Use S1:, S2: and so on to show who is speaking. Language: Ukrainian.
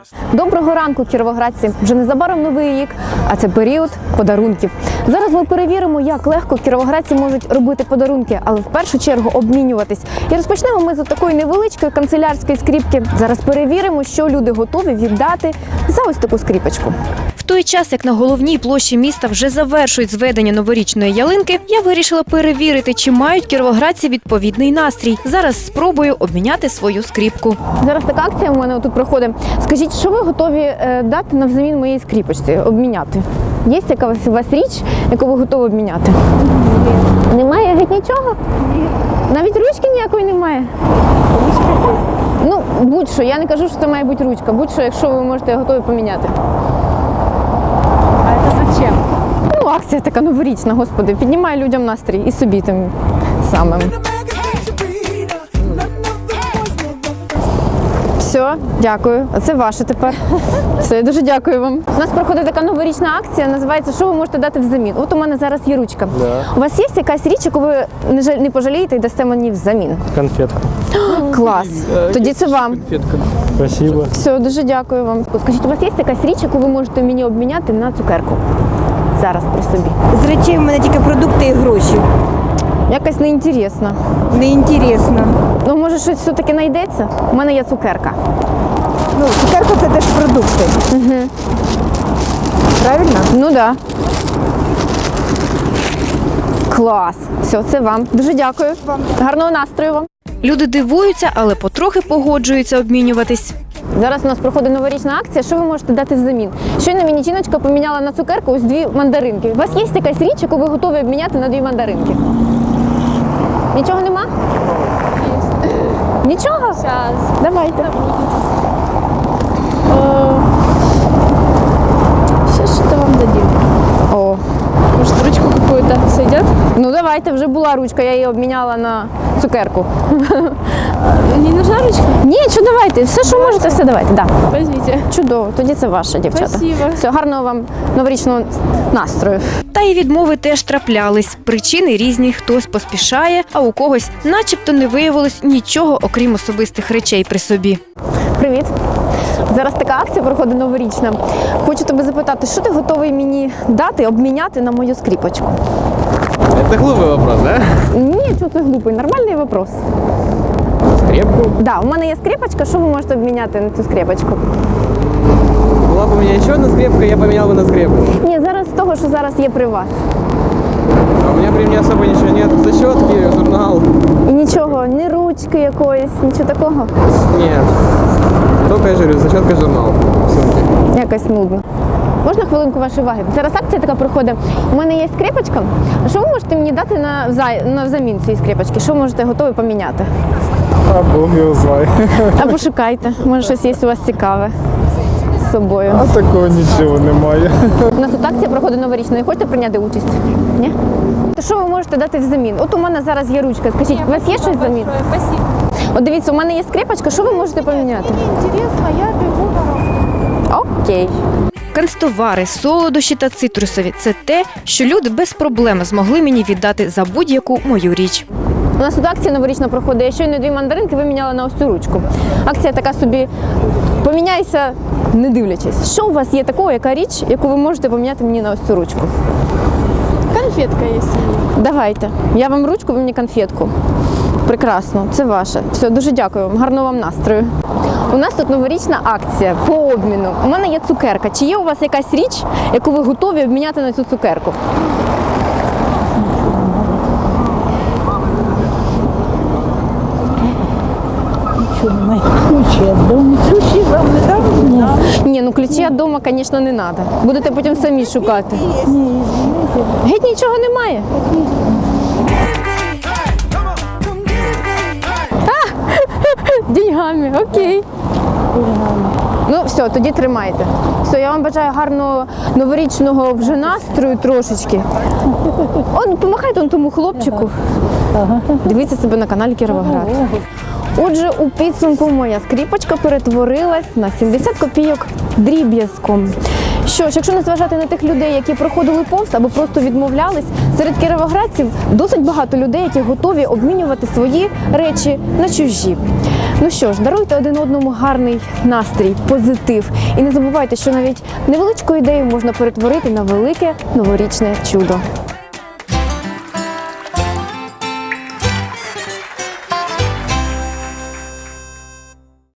S1: Доброго ранку, кіровоградці! Вже незабаром новий рік, а це період подарунків. Зараз ми перевіримо, як легко кіровоградці можуть робити подарунки, але в першу чергу обмінюватись. І розпочнемо ми з такої невеличкої канцелярської скріпки. Зараз перевіримо, що люди готові віддати за ось таку скріпочку. В той час, як на головній площі міста вже завершують зведення новорічної ялинки, я вирішила перевірити, чи мають кіровоградці відповідний настрій. Зараз спробую обміняти свою скріпку. Зараз така акція у мене тут проходить. Скажіть, що ви готові дати навзамін моїй скріпочці, обміняти? Є яка у вас річ, яку ви готові обміняти? Немає геть нічого? Навіть ручки ніякої немає? Ну, будь-що. Я не кажу, що це має бути ручка. Будь-що, якщо ви можете готові поміняти.
S2: А це зачем?
S1: Ну, акція така новорічна, господи. Піднімає людям настрій і собі тим самим. Все, дякую. А це ваше тепер. Все, дуже дякую вам. У нас проходить така новорічна акція, називається «Що ви можете дати взамін?». От у мене зараз є ручка.
S3: Да.
S1: У вас є якась річ, яку ви не пожалієте і дасте мені взамін?
S3: Конфетка.
S1: Клас. Тоді це вам.
S3: Конфетка. Спасибо.
S1: Все, дуже дякую вам. Скажіть, у вас є якась річ, яку ви можете мені обміняти на цукерку? Зараз при собі.
S2: З речей в мене тільки продукти і гроші.
S1: Якась неінтересна.
S2: Неінтересно.
S1: Ну, може, щось все-таки знайдеться? У мене є цукерка.
S2: Ну, цукерка це теж продукти.
S1: Угу.
S2: Правильно?
S1: Ну, так. Да. Клас. Все, це вам. Дуже дякую. Гарного настрою вам. Люди дивуються, але потрохи погоджуються обмінюватись. Зараз у нас проходить новорічна акція. Що ви можете дати взамін? Щойно мені жіночка поміняла на цукерку ось 2 мандаринки. У вас є якась річ, яку ви готові обміняти на 2 мандаринки? Нічого нема? Є. Нічого?
S4: Сейчас.
S1: Давайте.
S4: Сейчас что-то вам дадим.
S1: О.
S4: Может, ручку какую-то сойдет?
S1: Ну давайте, вже була ручка, я її обміняла на цукерку.
S4: Не нужна ручка?
S1: Ні, що давайте, все, що можете, все давайте. Да.
S4: Возьмите.
S1: Чудово, тоді це ваше, дівчата.
S4: Спасибо.
S1: Все, гарного вам новорічного настрою. Та й відмови теж траплялись. Причини різні, хтось поспішає, а у когось начебто не виявилось нічого, окрім особистих речей при собі. Привіт. Зараз така акція проходить новорічна. Хочу тебе запитати, що ти готовий мені дати, обміняти на мою скріпочку?
S3: Это глупый вопрос, да?
S1: Ні, що це глупий, нормальний вопрос.
S3: Скрепку?
S1: Да, у мене є скріпочка, що ви можете обміняти на цю скріпочку?
S3: Была бы у меня еще одна скрепка, я поменял бы на скрепку.
S1: Ні, зараз з того, що зараз є при вас.
S3: А у меня при мне особо ничего нет. Защетки, журнал.
S1: І нічого, ні ручки якоїсь, нічого такого.
S3: Нет. Только я же говорю, защетка, журнал. в сумке.
S1: Якось нудно. Можна хвилинку вашої уваги? Зараз акція така проходить. У мене є скріпочка. А що ви можете мені дати на взамін цієї скріпочки? Що можете готові поміняти?
S5: А Бог його знає.
S1: А пошукайте. Може, щось є у вас цікаве з собою.
S5: А такого нічого немає.
S1: У нас тут акція проходить новорічна. Не хочете прийняти участь? Ні? То що ви можете дати взамін? От у мене зараз є ручка. Скажіть, у вас є щось взамін?
S4: Спасибо.
S1: От дивіться, у мене є скріпочка. Що ви можете поміняти?
S4: Интересно, я бегу на работу.
S1: Окей. Канцтовари, солодощі та цитрусові – це те, що люди без проблем змогли мені віддати за будь-яку мою річ. У нас тут акція новорічна проходить. Я щойно 2 мандаринки виміняла на ось цю ручку. Акція така собі «поміняйся, не дивлячись». Що у вас є такого, яка річ, яку ви можете поміняти мені на ось цю ручку?
S4: Конфетка есть.
S1: Давайте. Я вам ручку, ви мені конфетку. Прекрасно, це ваше. Все, дуже дякую вам. Гарного вам настрою. У нас тут новорічна акція по обміну. У мене є цукерка. Чи є у вас якась річ, яку ви готові обміняти на цю цукерку?
S2: Ключі від дому. Ключі вам не дам?
S1: Ні, ну ключі від дому, звісно, не треба. Будете потім самі шукати. Геть нічого немає. Деньгами, окей. Ну, все, тоді тримайте. Все, я вам бажаю гарного новорічного вже настрою трошечки. Он, помахайте он тому хлопчику. Дивіться себе на каналі Кіровоград. Отже, у підсумку моя скріпочка перетворилась на 70 копійок дріб'язком. Що ж, якщо не зважати на тих людей, які проходили повз або просто відмовлялись, серед кіровоградців досить багато людей, які готові обмінювати свої речі на чужі. Ну що ж, даруйте один одному гарний настрій, позитив. І не забувайте, що навіть невеличку ідею можна перетворити на велике новорічне чудо.